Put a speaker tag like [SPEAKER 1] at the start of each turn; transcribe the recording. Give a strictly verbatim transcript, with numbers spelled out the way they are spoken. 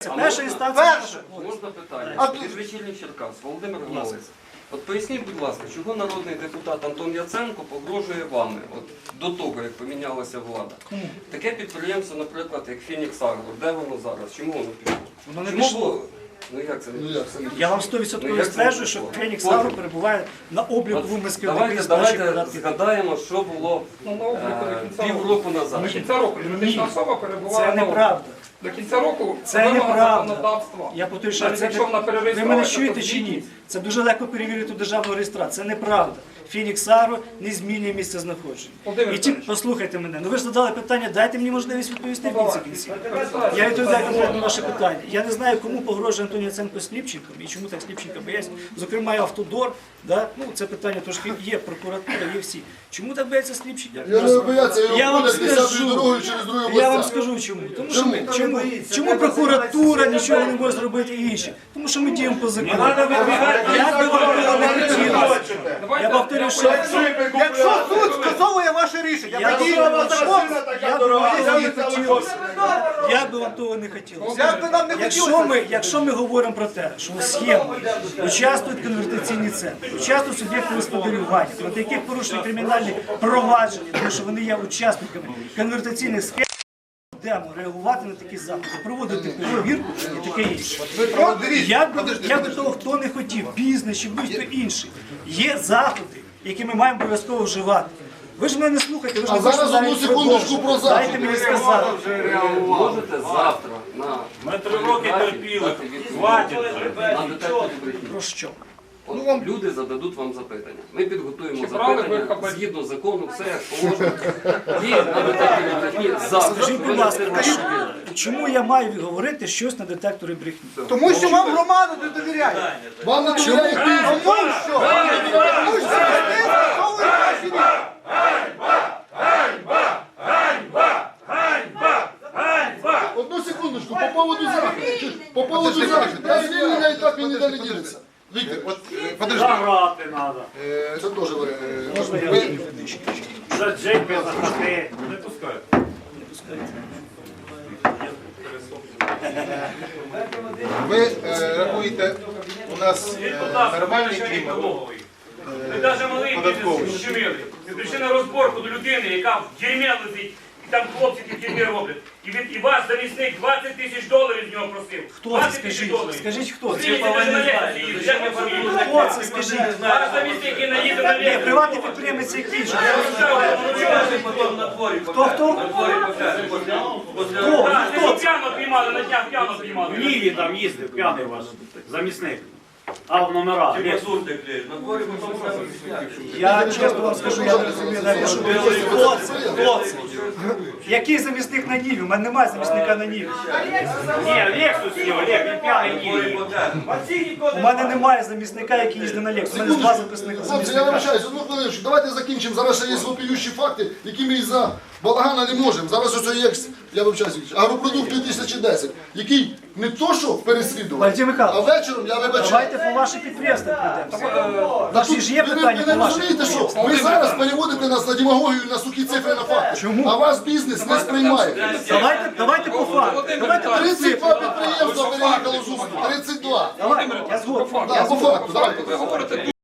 [SPEAKER 1] Це перша інстанція.
[SPEAKER 2] Перше.
[SPEAKER 3] Можна питання?
[SPEAKER 2] А
[SPEAKER 3] Від вечірніх Черкас, Володимир Галець. От поясніть, будь ласка, чого народний депутат Антон Яценко погрожує вами, от до того, як помінялася влада? Таке підприємство, наприклад, як Фінікс Агро, де воно зараз? Чому воно пішло?
[SPEAKER 1] Воно не
[SPEAKER 3] Чому
[SPEAKER 1] пішло.
[SPEAKER 3] було? Ну як це не пішло?
[SPEAKER 1] Я вам сто відсотків
[SPEAKER 3] Ну, як це
[SPEAKER 1] стверджую,
[SPEAKER 3] не
[SPEAKER 1] що
[SPEAKER 3] пішло?
[SPEAKER 1] Фенікс
[SPEAKER 3] Потім.
[SPEAKER 1] Агро перебуває на обліку
[SPEAKER 3] От
[SPEAKER 1] в Москві.
[SPEAKER 3] Давайте, давайте згадаємо, що було е, півроку назад.
[SPEAKER 4] До кінця року юридична особа перебувала
[SPEAKER 1] Це
[SPEAKER 4] на обліку.
[SPEAKER 1] неправда.
[SPEAKER 4] До кінця року
[SPEAKER 1] Це
[SPEAKER 4] вимога
[SPEAKER 1] неправда.
[SPEAKER 4] законодавства.
[SPEAKER 1] Я повторюю, що
[SPEAKER 4] Навіть
[SPEAKER 1] це
[SPEAKER 4] якщо вона
[SPEAKER 1] не... Ви
[SPEAKER 4] перереєструвалася,
[SPEAKER 1] мене чуєте
[SPEAKER 4] то
[SPEAKER 1] чи ні?
[SPEAKER 4] звільніть.
[SPEAKER 1] Це дуже легко перевірити у державного реєстра. Це неправда. Фінікс Агро не змінює місце знаходження.
[SPEAKER 4] Володимир
[SPEAKER 1] І ті,
[SPEAKER 4] Михайлович.
[SPEAKER 1] послухайте мене, ну ви ж задали питання, дайте мені можливість відповісти в кінці кінці. Я відповідаю конкретно на ваше питання. Я не знаю, кому погрожує Антон Яценко Сліпченком і чому так Сліпченка бояться. Зокрема, і Автодор, да? Ну, це питання трошки є, прокуратура, є всі. Чому так бояться Сліпченка?
[SPEAKER 5] Я не бояться, його
[SPEAKER 1] Я вам
[SPEAKER 5] ходять десятою
[SPEAKER 1] скажу,
[SPEAKER 5] дорогою через другу
[SPEAKER 1] я вам
[SPEAKER 5] область.
[SPEAKER 1] скажу чому. Тому що ми, чому, чому прокуратура нічого не може зробити і інші? Тому що ми діємо по закону. Як би вам того не хотілося. Я повторю, що
[SPEAKER 2] Якщо суд скасовує ваше рішення,
[SPEAKER 1] я
[SPEAKER 2] тоді
[SPEAKER 1] би вам того не
[SPEAKER 2] Як
[SPEAKER 1] хотілося. Як би вам того не хотілося.
[SPEAKER 2] би нам не
[SPEAKER 1] Якщо
[SPEAKER 2] хотілося.
[SPEAKER 1] ми, якщо ми говоримо про те, що у схемі участвують конвертаційні центри, участвують суб'єкти господарювання, проти яких порушені кримінальні провадження, тому що вони є учасниками конвертаційних схем, будемо реагувати на такі заходи, проводити перевірку і таке інше. Як би, як би того хто не хотів, бізнес чи будь-хто інший, є заходи, які ми маємо обов'язково вживати. Ви ж мене не слухайте, ви ж
[SPEAKER 5] А
[SPEAKER 1] не хочете
[SPEAKER 5] зараз одну
[SPEAKER 1] навіть
[SPEAKER 5] секундочку про
[SPEAKER 1] продовжити. Дайте
[SPEAKER 5] заходи.
[SPEAKER 1] мені сказати.
[SPEAKER 3] Можете завтра на
[SPEAKER 6] Ми три роки терпіли. Хватить.
[SPEAKER 3] на детекторі брехні.
[SPEAKER 1] Про що?
[SPEAKER 3] От люди зададуть вам запитання. Ми підготуємо
[SPEAKER 4] Чи брали ви
[SPEAKER 3] запитання
[SPEAKER 4] хабарі?
[SPEAKER 3] згідно закону, все як положено. І на детекторі брехні завтра.
[SPEAKER 1] Скажіть,
[SPEAKER 3] Ви
[SPEAKER 1] будь ласка,
[SPEAKER 3] дасте
[SPEAKER 1] чому-
[SPEAKER 3] ваші-
[SPEAKER 1] чому я маю говорити щось на детекторі брехні?
[SPEAKER 2] Тому що вам громада не довіряє.
[SPEAKER 5] Вам не довіряє бізнес.
[SPEAKER 2] Тому що? Тому що ви скасовуєте ваші рішення.
[SPEAKER 5] Одну секундочку, по поводу заходу. По поводу заходу. Я звільнення і так він ніде не ділиться. Віктор,
[SPEAKER 6] Заграти треба.
[SPEAKER 5] це теж варіант.
[SPEAKER 1] Можна я
[SPEAKER 5] Ви-
[SPEAKER 6] За джипи, за хати. Не пускають.
[SPEAKER 7] Ви е, рахуєте, у нас е, нормальний клімат.
[SPEAKER 8] Ми навіть малий
[SPEAKER 7] Податковий.
[SPEAKER 8] бізнес щемили. Ми прийшли на розборку до людини, яка в дерьмі лежить, і там хлопці ті в дерьмі роблять. І, від, і ваш замісник двадцять тисяч доларів з нього просив.
[SPEAKER 1] Хто це?
[SPEAKER 8] двадцять тисяч
[SPEAKER 1] Скажіть,
[SPEAKER 8] доларів.
[SPEAKER 1] скажіть, хто це?
[SPEAKER 8] Скажіть, навіть на лекції їздить, як ви фамілію?
[SPEAKER 1] Хто це, скажіть?
[SPEAKER 8] Ваш замісник, який наїде на
[SPEAKER 1] Ні,
[SPEAKER 8] лекцію.
[SPEAKER 1] приватний підприємець який же? Хто, хто? Хто?
[SPEAKER 8] Так,
[SPEAKER 1] Хто
[SPEAKER 8] ви
[SPEAKER 1] це?
[SPEAKER 8] п'яно піймали, на днях п'яно піймали.
[SPEAKER 6] В Ніві там їздив, п'яний ваш замісник. А в номера.
[SPEAKER 1] Я чесно вам скажу, я не розумію навіть, що хто це? Хто це? Який замісник на Ніві? У мене немає замісника на Ніві.
[SPEAKER 6] Ні, Лексус його, Лек, він п'яний в Ніві.
[SPEAKER 1] У мене немає замісника, який їздить на Лексус. У мене два записника
[SPEAKER 5] Хлопці, я
[SPEAKER 1] замісника.
[SPEAKER 5] вибачаюсь, одну хвилиночку. Давайте закінчимо. Зараз ще є вопіющі факти, які ми із-за балагана не можемо. Зараз ось є, я вибачаюсь, агропродукт дві тисячі десять, який не то що переслідував,
[SPEAKER 1] Валентин
[SPEAKER 5] а
[SPEAKER 1] Михайлович,
[SPEAKER 5] вечором я вибачаюсь.
[SPEAKER 1] давайте по ваші підприємства прийдемо.
[SPEAKER 5] Та
[SPEAKER 1] Ваші
[SPEAKER 5] тут
[SPEAKER 1] ж є
[SPEAKER 5] ви не-
[SPEAKER 1] питання
[SPEAKER 5] ви
[SPEAKER 1] по
[SPEAKER 5] не
[SPEAKER 1] ваших
[SPEAKER 5] розумієте, що
[SPEAKER 1] підприємствах?
[SPEAKER 5] ви зараз переводите нас на демагогію, на сухі цифри, на факти.
[SPEAKER 1] Чому?
[SPEAKER 5] А вас бізнес не сприймає.
[SPEAKER 1] Давайте, давайте по факту. Давайте по
[SPEAKER 5] тридцять
[SPEAKER 1] цифрам.
[SPEAKER 5] два підприємства переїхало з Усту. тридцять два.
[SPEAKER 1] Давайте, я згоден.
[SPEAKER 5] Да, по факту, давайте.